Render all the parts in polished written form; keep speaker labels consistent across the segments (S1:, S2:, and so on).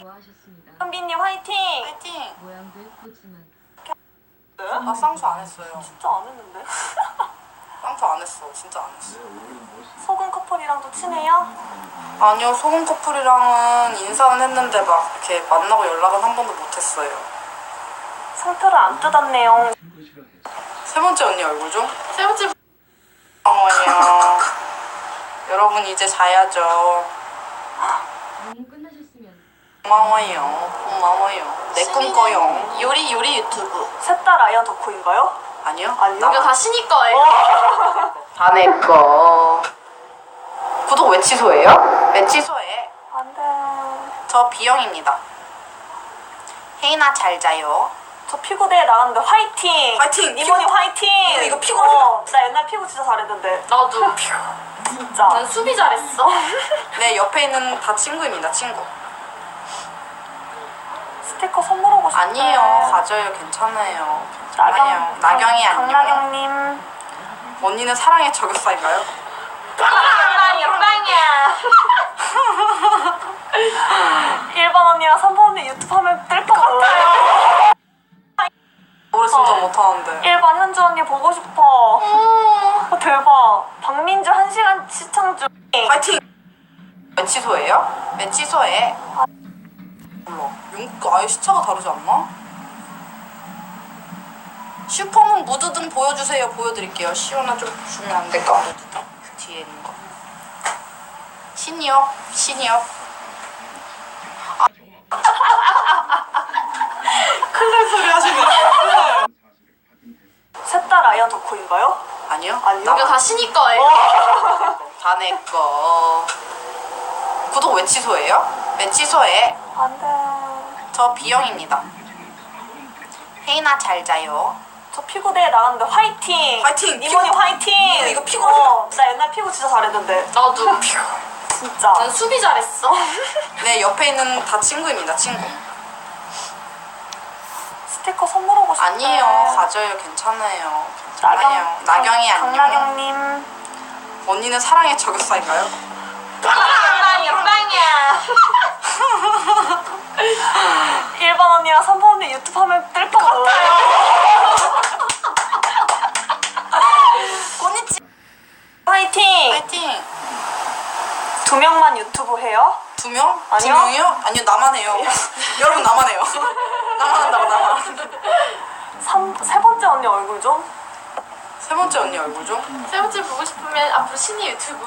S1: 좋아하셨습니다.
S2: 현빈님 화이팅!
S3: 파이팅!
S1: 모양도 예쁘지만
S3: 나 쌍수 안 했어요.
S2: 진짜 안 했는데?
S3: 쌍수 안 했어. 진짜 안 했어.
S2: 소금 커플이랑도 친해요?
S3: 아니요, 소금 커플이랑은 인사는 했는데 막 이렇게 만나고 연락은 한 번도 못 했어요.
S2: 상표를 안 뜯었네요.
S3: 세 번째 언니 얼굴 좀? 세 번째 어머니요. 여러분 이제 자야죠.
S1: 너무 끝나셨으면
S3: 고마워요. 고마워요. 내 꿈꿔요.
S4: 요리 유튜브.
S2: 셋 다 라이언 덕후인가요?
S3: 아니요?
S2: 아니요?
S4: 이거 다 신이 거예요.
S3: 다 내 거. 구독 왜 취소해요? 왜 취소해?
S2: 안 돼.
S3: 저 B형입니다. 혜인아 잘 자요.
S2: 저 피구대회 나갔는데 화이팅!
S3: 화이팅!
S2: 이모님
S3: 피구-
S2: 화이팅!
S3: 이거 피구
S2: 나 옛날 피구 진짜 잘했는데.
S4: 나도.
S2: 진짜.
S4: 난 수비 잘했어.
S3: 네, 옆에 있는 다 친구입니다. 친구.
S2: 스티커 선물하고 싶대.
S3: 아니에요. 가져요. 괜찮아요.
S2: 나경,
S3: 나경이 아니요.
S2: 강나경님.
S3: 언니는 사랑의 저격사인가요?
S4: 빵이야 빵이야.
S2: 1번 언니랑 3번 언니 유튜브 하면 뜰 것 같아요.
S3: 노래 진짜 못하는데.
S2: 1번 현주 언니 보고 싶어. 대박. 박민주 1시간 시청 중.
S3: 파이팅! 왜 취소해요? 왜 취소해? 몰라. 용국 아예 시차가 다르지 않나? 슈퍼문 무드등 보여주세요. 보여드릴게요. 시원한 좀 주면 안 될까? 무드등? 그 뒤에 있는 거. 신이업. 큰일 소리 하시네.
S2: 셋 다 라이언 덕후인가요?
S3: 아니요?
S2: 아니요?
S4: 이거 다 신이 거예요.
S3: 다 내 거. 구독 왜 취소해요? 왜 취소해?
S2: 안 돼.
S3: 저 B형입니다. 혜인아 잘 자요.
S2: 저 피구대회 나갔는데 화이팅!
S3: 화이팅!
S2: 이모님
S3: 피구-
S2: 화이팅!
S3: 이거 피구-
S2: 나 옛날 피구 진짜 잘했는데.
S4: 나도.
S2: 진짜.
S4: 난 수비 잘했어.
S3: 네, 옆에 있는 다 친구입니다. 친구.
S2: 스티커 선물하고 싶대.
S3: 아니에요. 가져요. 괜찮아요. 괜찮아요. 나경이 아니요.
S2: 강나경님.
S3: 언니는 사랑의 저격사인가요?
S4: 빵이야 빵이야.
S2: 1번 언니랑 3번 언니 유튜브 하면 뜰 것 같아요.
S3: 꼬니치.
S2: 화이팅!
S3: 파이팅.
S2: 2명만 유튜브 해요?
S3: 2명?
S2: 아니요.
S3: 2명이요? 아니요, 나만 해요. 여러분 나만 해요. 나만 한다고 나만.
S2: 세 번째 언니 얼굴 좀?
S3: 세 번째 언니 얼굴 좀?
S4: 세 번째 보고 싶으면 앞으로 신이 유튜브.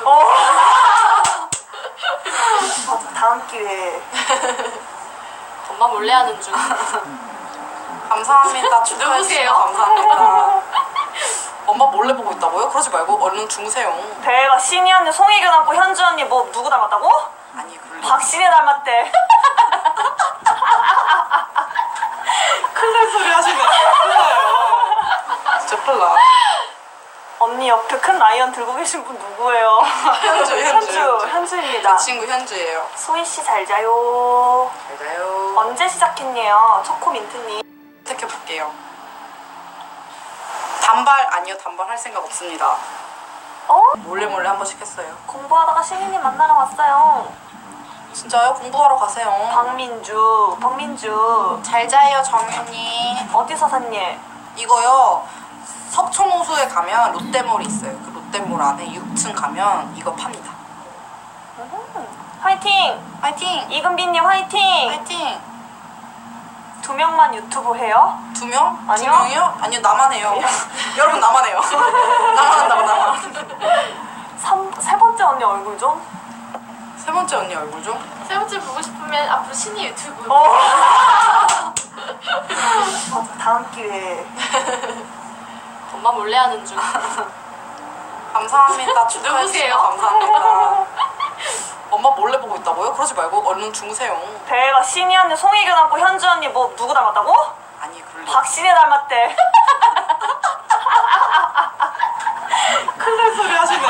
S2: 맞아, 다음 기회에.
S4: 엄마 몰래 하는 중.
S3: 감사합니다. 축하해 주셔서
S4: 누구세요?
S3: 감사합니다. 엄마 몰래 보고 있다고요? 그러지 말고 얼른 주무세요.
S2: 대박. 신이 언니, 송혜교 닮고 현주 언니 뭐 누구 닮았다고?
S3: 아니, 그럴 리.
S2: 박신혜 닮았대.
S3: 큰일 소리 하시네. 진짜 큰일 나.
S2: 언니 옆에 큰 라이언 들고 계신 분 누구예요? 현주입니다.
S3: 제 친구 현주예요.
S2: 소희 씨 잘 자요.
S3: 잘 자요.
S2: 언제 시작했네요? 초코민트님.
S3: 선택해볼게요. 단발 아니요, 단발 할 생각 없습니다. 몰래 한 번씩 했어요.
S2: 공부하다가 신이님 만나러 왔어요.
S3: 진짜요? 공부하러 가세요.
S2: 박민주.
S3: 잘 자요, 정윤이.
S2: 어디서 샀니?
S3: 이거요, 석촌호수에 가면 롯데몰이 있어요. 그 롯데몰 안에 6층 가면 이거 팝니다.
S2: 화이팅!
S3: 파이팅!
S2: 이금빈님 화이팅!
S3: 파이팅!
S2: 2명만 유튜브 해요?
S3: 2명?
S2: 아니요.
S3: 2명이요? 아니요, 나만 해요. 여러분 나만 해요. 나만 한다고 나만.
S2: 세 번째 언니 얼굴 좀?
S3: 세 번째 언니 얼굴 좀?
S4: 세 번째 보고 싶으면 앞으로 신이 유튜브.
S2: 맞아, 다음 기회에.
S4: 엄마 몰래 하는 중.
S3: 감사합니다. 축하해
S4: 누구세요?
S3: 주셔서 감사합니다. 엄마 몰래 보고 있다고요? 그러지 말고 얼른 주무세요.
S2: 대박. 신이 언니, 송혜교 닮고 현주 언니 뭐 누구 닮았다고?
S3: 아니, 그럴 리.
S2: 박신혜 닮았대.
S3: 큰일 소리 하시네.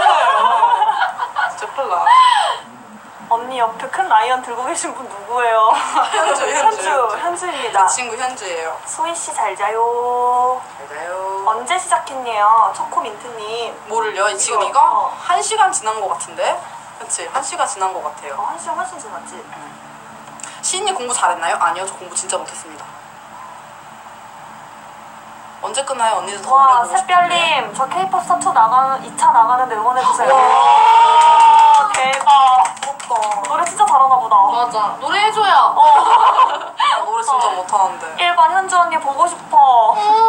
S3: 진짜 큰일 나.
S2: 언니 옆에 큰 라이언 들고 계신 분 누구예요? 현주입니다.
S3: 제 친구 현주예요.
S2: 소희 씨 잘 자요.
S3: 잘 자요.
S2: 언제 시작했네요? 초코민트님.
S3: 뭐를요? 지금
S2: 이거?
S3: 이거? 1시간 지난 것 같은데? 그치? 1시간 지난 것 같아요.
S2: 1시간 훨씬 지났지?
S3: 시인이 공부 잘했나요? 아니요, 저 공부 진짜 못했습니다. 언제 끝나요? 언니도 더 오래
S2: 와,
S3: 보고 싶은데.
S2: 샛별님, 저 케이팝 스타 2 2차 나가는데 응원해주세요.
S3: 와,
S2: 대박.
S3: 부럽다.
S2: 노래 진짜 잘하나 보다.
S4: 맞아. 노래 해줘요.
S3: 나 노래 진짜 못하는데.
S2: 1번 현주 언니 보고 싶어.